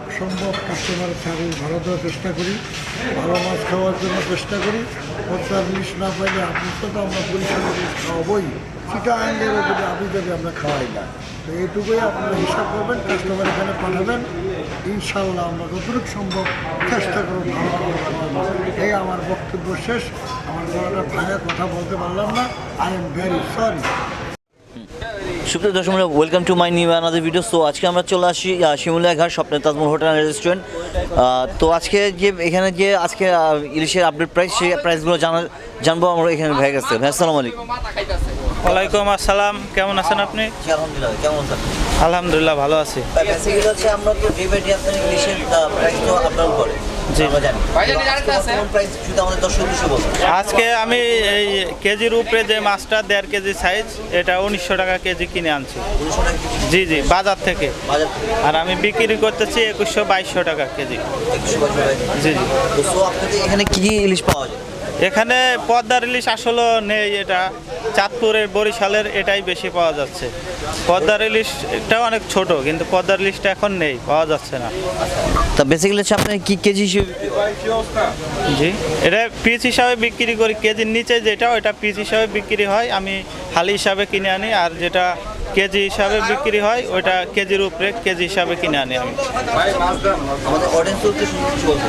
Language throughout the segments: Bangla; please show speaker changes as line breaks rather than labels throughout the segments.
যতটুকু সম্ভব কাস্টমারের সার্ভিস ভালো দেওয়ার চেষ্টা করি, ভালো মাছ খাওয়ার জন্য চেষ্টা করি। খরচার ইলিশ না পাইলে আপনি তো আমরা পরিষ্কার ইলিশ খাওয়াবই, চিটাগাঙ্গেরও যদি আপনি যদি আমরা খাওয়াই না। তো এইটুকুই আপনারা হিসাব করবেন, কাস্টমার এখানে পাঠাবেন, ইনশাল্লাহ আমরা যতটুকু সম্ভব চেষ্টা করব ভালো ভালো খাওয়াবো। এই আমার বক্তব্য শেষ। আমার গলাটা ভাঙা কথা বলতে পারলাম না, আই এম ভেরি সরি।
সুপ্রিয় দর্শক, welcome to my new another video. So আজকে আমরা চলে আসি শিমুলিয়া ঘাট স্বপ্নের তাজমহল হোটেল অ্যান্ড রেস্টুরেন্ট। তো আজকে যে এখানে যে আজকে ইলিশের আপডেট প্রাইস, সেই প্রাইসগুলো জানবো আমরা এখানে ভাই কাছে। ভাই আসসালামু আলাইকুম।
ওয়ালাইকুম আসসালাম, কেমন আছেন আপনি?
আলহামদুলিল্লাহ, কেমন আছেন?
আলহামদুলিল্লাহ ভালো আছি।
বেসিক্যালি হচ্ছে আমরা তো যে বেটি আপনার ইলিশের প্রাইস তো আপডাউন করে,
জি
আমরা জানি প্রাইস শুধু আমাদের দর্শক কিছু বলুন।
আজকে আমি এই কেজির উপরে যে মাছটা 1.5 কেজি সাইজ, এটা 1900 টাকা কেজি কিনে আনছি।
1900 টাকা কেজি
জি জি, বাজার থেকে।
বাজার থেকে।
আর আমি বিক্রি করতেছি 2100-2200 টাকা কেজি।
122 টাকা।
জি জি।
তো সো আপনাদের এখানে কি কি ইলিশ পাওয়া যায়?
এখানে পদ্মার ইলিশ আসলে নেই, এটা চাঁদপুরের বরিশালের এটাই বেশি পাওয়া যাচ্ছে। পদ্মার ইলিশটা অনেক ছোট, কিন্তু পদ্মার ইলিশটা এখন নেই, পাওয়া যাচ্ছে না।
তা বেসিক্যালি হচ্ছে আপনার কি কেজি হিসেবে?
জি, এটা পিস হিসাবে বিক্রি করি। কেজির নিচে যেটা ওটা পিস হিসাবে বিক্রি হয়, আমি হালি হিসাবে কিনে আনি। আর যেটা কেজি হিসাবে বিক্রি হয় ওইটা কেজির উপরে কেজি হিসাবে কিনে আনি আমি।
আমাদের অডিয়েন্স করতে কিছু বলতে,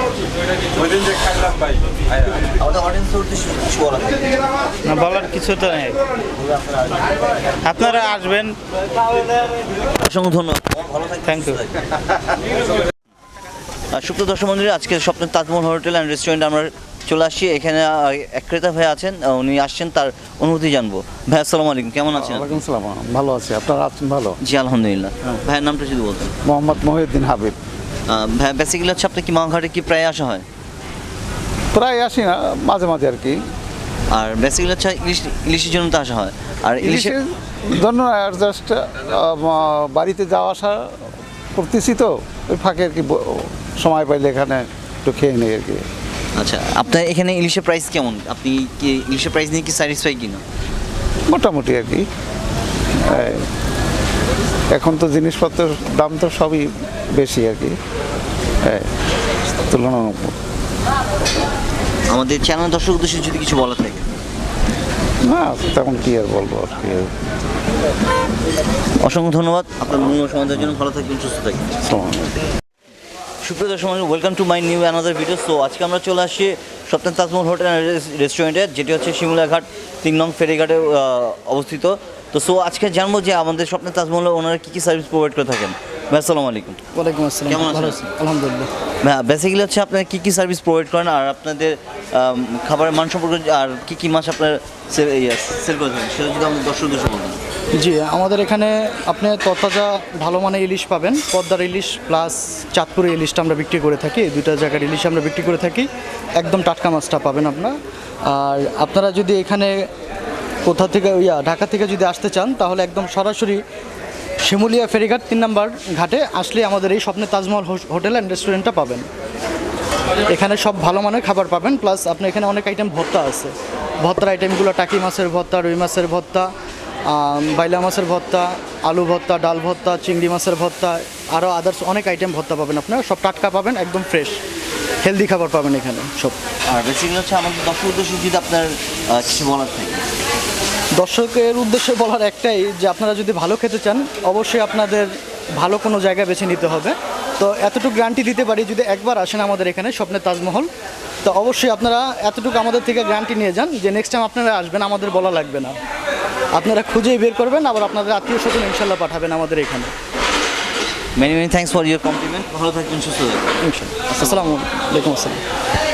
আমাদের অডিয়েন্স করতে কিছু বলা থাকে?
না, বলার কিছু তো নেই, আপনারা আসবেন।
অসংখ্য ধন্যবাদ, ভালো থাকবেন।
Thank you.
সুপ্রিয় দর্শক মন্ডলী, আজকে স্বপ্নের তাজমহল হোটেল অ্যান্ড রেস্টুরেন্ট আমরা চলে আসছি। এখানে এক ক্রেতা ভাই আছেন, উনি আসছেন, তার অনুভূতি জানবো। ভাই আসসালামু আলাইকুম, কেমন আছেন?
ওয়ালাইকুম সালাম, ভালো আছি। আপনারা আছেন ভালো?
জি আলহামদুলিল্লাহ। ভাইয়ের নামটা যদি বলতেন।
মোহাম্মদ মহিউদ্দিন হাবিব।
ভাই বেসিক্যালি হচ্ছে আপনি কি মাঘাটে কি প্রায় আসা হয়?
প্রায় আসি না, মাঝে মাঝে আর কি।
আর বেসিক্যালি হচ্ছে ইলিশের জন্য তো আসা হয়। আর ইলিশের
ইলিশের জন্য জাস্ট বাড়িতে যাওয়া আসা করতেছি, তো ওই ফাঁকে আর কি সময় পাইলে এখানে একটু খেয়ে নিই আর কি।
আচ্ছা, আপনার এখানে ইলিশের প্রাইস কেমন? আপনি কি ইলিশের প্রাইস নিয়ে কি স্যাটিসফাই কিনা?
মোটামুটি আর কি। এই, এখন তো জিনিসপত্রের দাম তো সবই বেশি আর কি, তুলনামূলক।
আমাদের চ্যানেল দর্শক উদ্দেশ্যে যদি কিছু বলা থাকে?
না, তেমন কি আর বলবো আর কি।
অসংখ্য ধন্যবাদ আপনার মূল্য সমাধানের জন্য। ভালো থাকবেন, সুস্থ থাকবেন।
আসসালামু আলাইকুম।
সুপ্রিয় দর্শক, welcome to my new another video. So আজকে আমরা চলে আসছি স্বপ্নের তাজমহল হোটেল অ্যান্ড রেস্টুরেন্টে, যেটি হচ্ছে শিমুলিয়া ঘাট 3 নং ফেরিঘাটে অবস্থিত। তো সো আজকে জানবো যে আমাদের স্বপ্নের তাজমহলে ওনারা কী কী সার্ভিস প্রোভাইড করে থাকেন। ভাই আসসালামু আলাইকুম।
ওয়ালাইকুম আসসালাম,
কেমন
ভালো
আছেন?
আছি আলহামদুলিল্লাহ।
হ্যাঁ, বেসিক্যালি হচ্ছে আপনারা কী কী সার্ভিস প্রোভাইড করেন, আর আপনাদের খাবারের মান সম্পর্কে, আর কী কী মাছ আপনার সেল করে থাকেন, সেটা যদি আমাদের দর্শক উদ্দেশ্যে বলতেন।
জি, আমাদের এখানে আপনি তরতাজা ভালো মানের ইলিশ পাবেন। পদ্মার ইলিশ প্লাস চাঁদপুরের ইলিশটা আমরা বিক্রি করে থাকি, এই দুইটা জায়গার ইলিশ আমরা বিক্রি করে থাকি। একদম টাটকা মাছটা পাবেন আপনার। আর আপনারা যদি এখানে কোথা থেকে ঢাকা থেকে যদি আসতে চান, তাহলে একদম সরাসরি শিমুলিয়া ফেরিঘাট 3 নম্বর ঘাটে আসলে আমাদের এই স্বপ্নের তাজমহল হোটেল অ্যান্ড রেস্টুরেন্টটা পাবেন। এখানে সব ভালো মানের খাবার পাবেন, প্লাস আপনি এখানে অনেক আইটেম ভর্তা আছে। ভর্তার আইটেমগুলো টাকি মাছের ভর্তা, রুই মাছের ভর্তা, বাইলা মাছের ভর্তা, আলু ভর্তা, ডাল ভর্তা, চিংড়ি মাছের ভর্তা, আরও আদার্স অনেক আইটেম ভর্তা পাবেন আপনারা। সব টাটকা পাবেন, একদম ফ্রেশ হেলদি খাবার পাবেন এখানে সব।
আর বেসিক্যালি হচ্ছে আমাদের দর্শক উদ্দেশ্যে যদি আপনার কিছু বলার থাকে?
দর্শকের উদ্দেশ্যে বলার একটাই, যে আপনারা যদি ভালো খেতে চান, অবশ্যই আপনাদের ভালো কোনো জায়গা বেছে নিতে হবে। তো এতটুকু গ্যারান্টি দিতে পারি, যদি একবার আসেন আমাদের এখানে স্বপ্নের তাজমহল, তো অবশ্যই আপনারা এতটুকু আমাদের থেকে গ্যারান্টি নিয়ে যান যে নেক্সট টাইম আপনারা আসবেন, আমাদের বলা লাগবে না। আপনারা খুঁজেই বের করবেন, আবার আপনাদের আত্মীয় স্বজন ইনশাল্লাহ পাঠাবেন আমাদের এখানে।
Many many thanks for your compliment. ভালো থাকবেন, সুস্থ থাকবেন।
ইনশাল্লাহ। আসসালামু আলাইকুম। আসসালাম।